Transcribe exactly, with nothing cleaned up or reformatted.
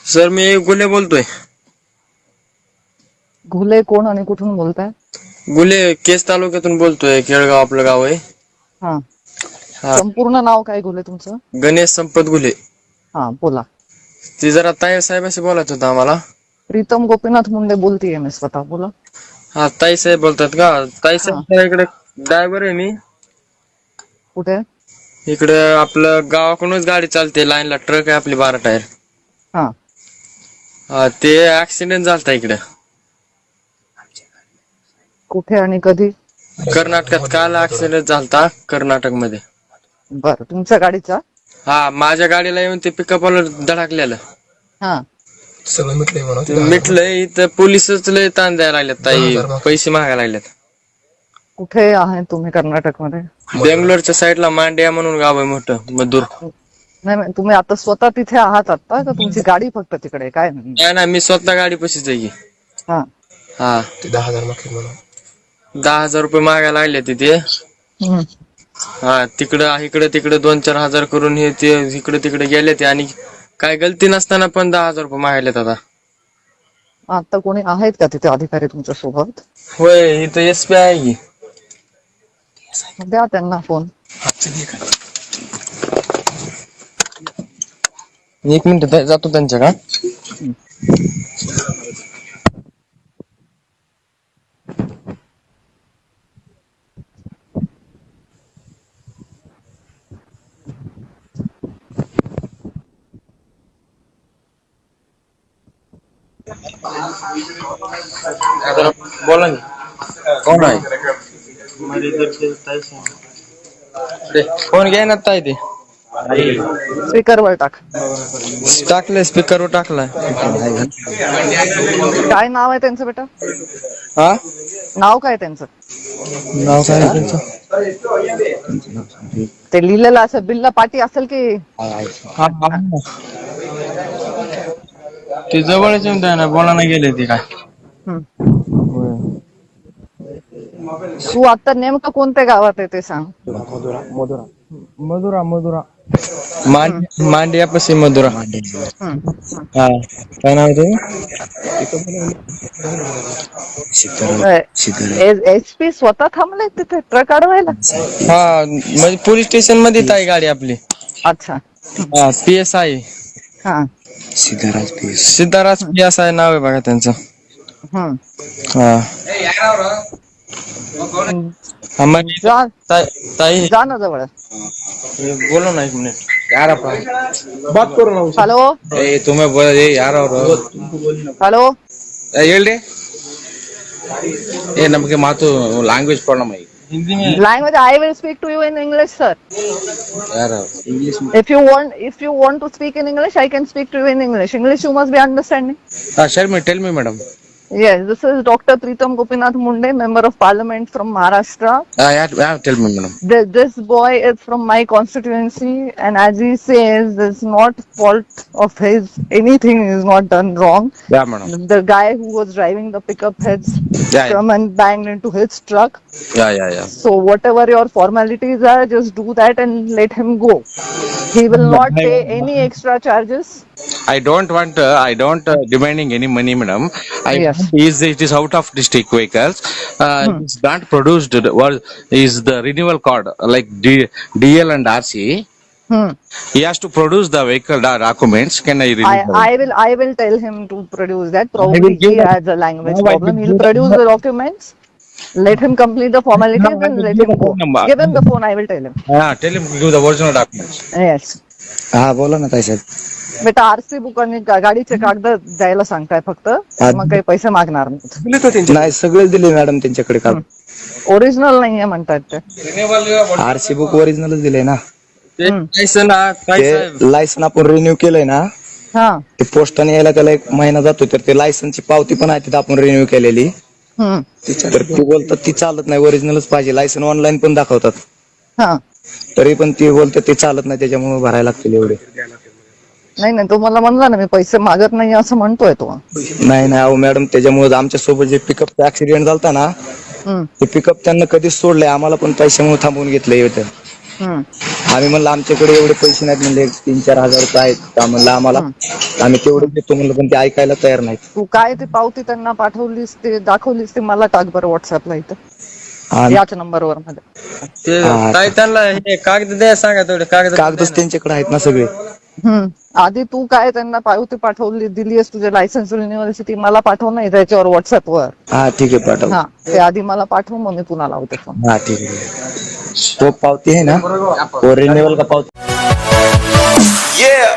Sir मी गुले बोलतोय. घुले कोण आणि कुठून बोलताय? गुले केस तालुक्यातून बोलतोय. केळगाव आपलं गाव आहे. हा हा संपूर्ण नाव काय घुले तुमचं? गणेश संपत गुले. हा बोला. ती जरा ताई साहेबांशी बोलायचं होतं आम्हाला. प्रीतम गोपीनाथ मुंडे बोलतीये मी स्वतः. बोला. हा ताई साहेब बोलतात का? ताई हा साहेब इकडे ड्रायव्हर आहे मी. कुठे? इकडे आपलं गावाकडूनच गाडी चालते. लाईनला ट्रक आहे आपली बारा टायर. हा हा ते ऍक्सिडेंट झालता इकडे. कुठे आणि कधी? कर्नाटकात काल ऍक्सिडेंट झालता कर्नाटक मध्ये. बर तुमच्या गाडीचा? हा माझ्या गाडीला येऊन ते पिकअपला धडकलेलं. हा सगळं मिटलंय म्हणा. ते मिटलंय इथं पोलिसच लय ताण द्यायला लागलेत ताई. पैसे मागायला लागलेत. कुठे आहे तुम्ही कर्नाटक मध्ये? बेंगलोरच्या साईडला मांड्या म्हणून गाव आहे मोठं मधुर. नाही नाही, तुम्ही आता स्वतः तिथे आहात आता का तुमची गाडी फक्त तिकडे आहे? काय नाही. नाही ना मी स्वतः गाडी पशीच आहे की. हा हा ते दहा हजार मागतील म्हणा. दहा हजार रुपये मागायला लागले तिथे. हम्म. हा तिकडं इकडे तिकडे दोन चार हजार करून हे ते इकडे तिकडे गेले ते आणि काय गलती नसताना पण दहा हजार रुपये मागायलेत आता. आता कोणी आहेत का तिथे अधिकारी तुमच्या सोबत? होय इथं एस पी आहे की. द्या त्यांना फोन. एक मिनिट जातो त्यांच्या का. बोला ना. कोण आहे? फोन घ्या ना ताई ते. स्पीकरवर टाक. टाकलंय स्पीकरवर टाकलाय. काय नाव आहे त्यांचं बेटा? हा नाव काय त्यांचं? नाव काय त्यांचं? ते लिहिलेलं असं बिल्ला पाटी असेल की? ते जवळच येऊन द्या ना. बोला ना गेले ते काय. तू आता नेमकं कोणत्या गावात आहे ते सांग. मधुरा मधुरा मांडिया पशी मधुरा. हा काय नाव ते? एच पी स्वतः थांबले तिथे ट्रक अडवायला? हा म्हणजे पोलीस स्टेशन मध्ये आहे गाडी आपली. अच्छा. हा पी एस आय हा Siddharaj P S Siddharaj P S I नाव आहे बघा त्यांचं. हम्म. हा जा ताई जा ना जवळ. बोलो ना एक मिनिट यार बात करो ना. हॅलो ए तुम्हें बोल ए यार हॅलो ಹೇಳ್ರಿ ए ನಮಗೆ ಮಾತು ಲ್ಯಾಂಗ್ವೇಜ್ ಪ್ರಾಬ್ಲಮ್ ಐತಿ हिंदी में language I will speak to you in English sir. यार English If you want if you want to speak in English I can speak to you in English. English you must be understanding. हां sir मी tell me madam. Yes, this is Doctor Pritam Gopinath Munde, Member of Parliament from Maharashtra. Uh, yeah, yeah, tell me, madam. The, this boy is from my constituency, and as he says, it's not fault of his. Anything is not done wrong. Yeah, madam. The guy who was driving the pickup heads Yeah, come and banged into his truck. Yeah, yeah, yeah. So whatever your formalities are, just do that and let him go. He will not pay any extra charges. I don't want, uh, I don't uh, demanding any money, madam. I Yes. is it is out of district vehicles. Uh, Hmm. It's not produced. What is the renewal card like D, DL and R C? Hmm. He has to produce the vehicle da- documents. Can I renew? I, the- I will I will tell him to produce that. Probably he give has a language No, I problem. will He'll give- produce the documents. Let him complete the formalities No, I and will let give him the go. phone number. Give him the phone. I will tell him. Ah, tell him to give the original documents. Yes. हा बोला ना ताई साहेब. बेटा RC book आणि गा- गाडीचे कागद द्यायला सांगताय फक्त. मग काही पैसे मागणार नाहीत. नाही सगळेच दिले मॅडम त्यांच्याकडे काल. ओरिजिनल नाहीये म्हणतात ते. आरसी बुक ओरिजिनलच दिले ना. ते लायसन ताई ते साहेब लायसन आपण रिन्यू केलंय ना. हा. ते पोस्टाने यायला त्याला एक महिना जातो तर ते लायसनची पावती पण आहे तिथे आपण रिन्यू केलेली. हम्म. तर ती बोलतात ती चालत नाही ओरिजिनलच पाहिजे. लायसन ऑनलाईन पण दाखवतात हा. तरी पण ती बोलतात ते चालत नाही त्याच्यामुळे भरायला लागतील एवढे. नाही नाही तो मला म्हणला ना मी पैसे मागत नाही असं म्हणतोय तो. नाही नाही अहो मॅडम त्याच्यामुळे आमच्या सोबत जे पिकअपचा ऍक्सिडेंट झालता ना हम्म. ते पिकअप त्यांना कधीच सोडलंय आम्हाला पण पैशामुळे थांबवून घेतलंय इथं. हम्म. आम्ही म्हणलं आमच्याकडे एवढे पैसे नाहीत, म्हणले तीन चार हजार रुपये आहेत का म्हणलं आम्हाला, आम्ही तेवढे देतो म्हणलं, पण ते ऐकायला तयार नाहीत. तू काय ते पावती त्यांना पाठवलीस ते दाखवलीस ते मला टाक बरं व्हॉट्सअपला इथं आणि याच नंबरवर मध्ये. ते हा. काय त्यांना हे कागद द्या सांगा तेवढे कागद कागदच त्यांच्याकडे आहेत ना सगळे. हम्म आधी तू काय त्यांना पावती पाठवली दिलीस तुझे लायसन्स रिन्युअलची ती मला पाठव नाही त्याच्यावर व्हॉट्सअपवर. हा ठीक आहे पाठव. हा ते आधी मला पाठव मग मी पुन्हा लावते फोन. हा ठीक आहे. तो पावती आहे ना, तो रिन्युअल का पावती. Yeah.